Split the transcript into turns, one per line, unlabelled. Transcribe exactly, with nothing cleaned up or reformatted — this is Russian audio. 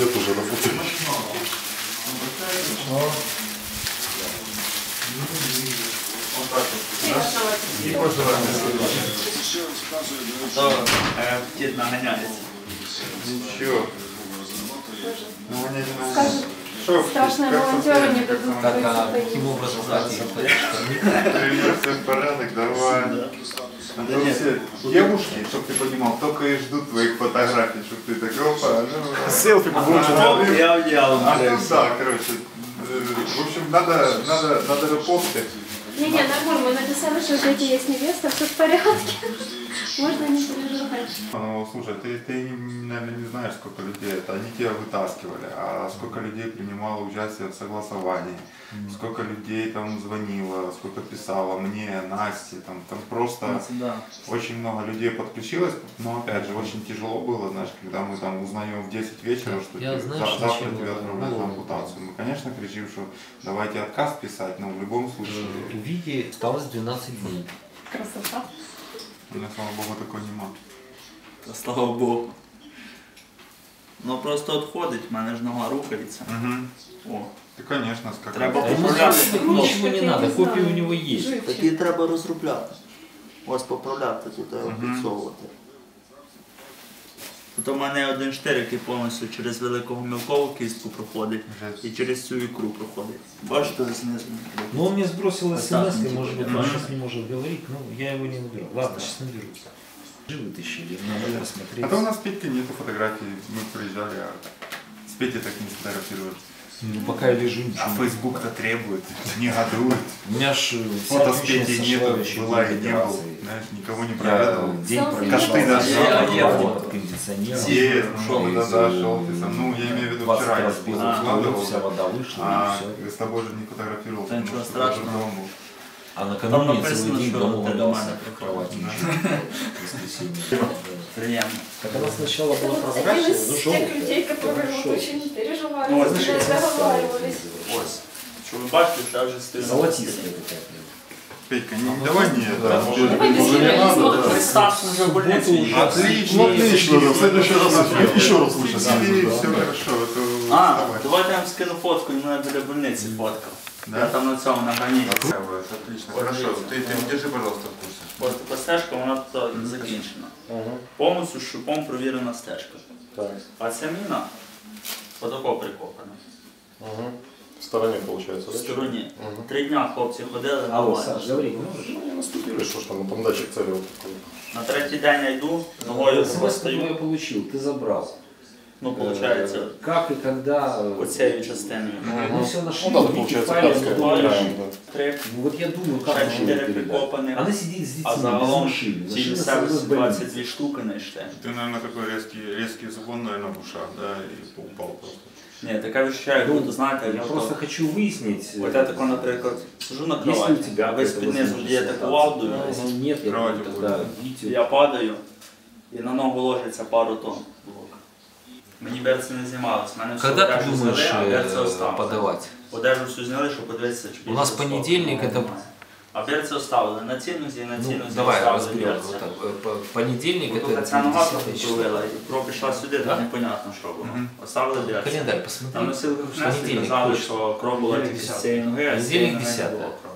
лет уже работаю.
Дед нагоняется.
Ничего.
Скажет, страшные волонтеры не дадут
Так, а
выйти.
каким образом зайти?
Привет, все в порядок, давай. А то все девушки, чтобы ты понимал, только и ждут твоих фотографий, чтобы ты так, опа, ну...
Селфи получил.
Я удел.
А ну да, короче, в общем, надо, надо, надо репостить.
Не-не, нормально, мы написали, что у дети есть невеста, все в порядке. Можно не переживать.
Ну, слушай, ты, ты, наверное, не знаешь, сколько людей это. Они тебя вытаскивали, а сколько людей принимало участие в согласовании, сколько людей там звонило, сколько писало мне, Насте, там, там просто
Да.
очень много людей подключилось, но опять же, очень тяжело было, знаешь, когда мы там узнаем в десять вечера, что
Я,
тебе-
знаешь,
за- завтра
зачем
тебя
это
отправляют на
было?
ампутацию. Мы, конечно, кричим, что давайте отказ писать, но в любом случае,
У Вити осталось двенадцать дней.
Красота.
у меня, слава богу, такой нема.
Та слава Богу. Ну просто відходить, в мене ж нога рухається.
Угу.
О.
Ты, конечно, скакать.
Треба
А ему
поправляти.
так ничего не надо, копия у него есть.
Такі треба розробляти. Ось поправляти тут, підсовувати. Тут у мене один штир, який повністю через великого мілкову кістку проходить і через цю ікру проходить. Бачите, знизу.
Но он мне сбросил
Вот
смс,
так,
и,
типа,
может быть,
да.
он сейчас не может говорить, но я его не наберу. Ладно, сейчас наберу. Живы вытащили, надо посмотреть.
А то у нас с Петькой нету фотографий, мы приезжали, а с Петей так не сфотографировали.
Ну, пока я лежу,
А
ничего.
Facebook-то требует, негодует.
У меня ж
Фото с Петей нету, была и не был. Знаешь, никого не проведал.
Я день
Селфи
пробежал.
Косты даже.
Я
Я
ехал под кондиционером.
Есть,
Шел
ну,
из,
да, да,
э,
шел ты сам. Ну, я имею в виду
двадцать
вчера, я
раз
с
бил,
выкладывал,
вся вода вышла,
а
и все.
с тобой же не фотографировал,
Да
потому
ничего
что
страшного.
тоже дома был.
А
Там
накануне
написано,
целый день
что
дома
это
валялся
нормально
в кровати. Воскресенье.
Приємно.
Так она сначала была
Это вот один
прозрачная,
из
но
тех людей,
желтая.
которые вот
Хорошо.
очень переживали,
Ну,
когда
знаешь,
договаривались.
Ось. Що ви бачите, це вже стильно.
Золотистая такая.
Петька, не, давай не, да,
Уже,
Давай без
уже не
меня
надо,
смотрим.
да.
Представь, уже в больницу
Субботу
їхав.
Отлично.
Ну отлично, да, в следующий раз еще раз лучше
Все
съездить, да.
хорошо, это
А,
давай.
давайте я вам скину фотку, і мене біля больниці фоткав.
Да?
Я там на цьому на границі.
Отлично, хорошо. Ты, ты держи, пожалуйста, в курсе.
Ось така стежка, вона тут закінчена. Повністю шипом провірена стежка.
Так.
А ця міна отако прикопана.
Угу. В стороне получается,
В
да?
стороні.
Угу.
Три дня хлопці ходили,
Алло,
нормально.
Саш, говори, можешь?
Ну, не наступили, что ж там, там датчик цели вот такой.
На третій день я йду, ногою
смс я
стою.
получил, ты забрал.
Ну, виходить,
Э, Как и когда... э,
оцією частиною.
Мы все нашли,
Ну да,
Вики
получается,
файлы,
датская.
но
Да,
лежит.
да.
Три,
Ну вот я думаю, как
ще
можно
чотири
передать.
прикопані.
Она сидит с детьми,
А
без
загалом
машины.
ці
Машина
місцевості
с больницы.
двадцять дві штуки знайшли.
Ты, наверное, такой резкий, резкий звон, наверное, в ушах, да, и упал просто.
Ні, таке відчуття, як будто, знаєте,
Я
як
просто
то-
хочу выяснить,
От я тако, наприклад, сижу на
есть ли у
кроваті,
тебя
ви з-під низу дієте кувалдою,
Если нет, я
Кровать
думаю, тогда
будет.
Витю.
я падаю, і на ногу ложиться пару тонн блок. Мені берці не знімалось, мене всю
Когда ты
одежу
думаешь
зняли, а берці
э,
оставили.
подавать?
Одежу всю зняли, щоб подивитися, чи
У нас
більше
понедельник,
стало.
это-
А берці оставили на цій нозі, на цій
Ну,
нозі
давай
оставили
разберем.
берці.
Вот так. Э, по- Понедельник
Тут
это
ця нога
десятое
трохи
число.
провела, і кров пішла сюди,
Да?
так непонятно, що було.
Мгм.
Оставили берці.
Календарь
Там
посмотри.
носили внесли,
Понедельник,
казали,
точно.
що кров була тільки з цієї ноги, а з цієї
Понедельник
ноги не
десятое.
було кров.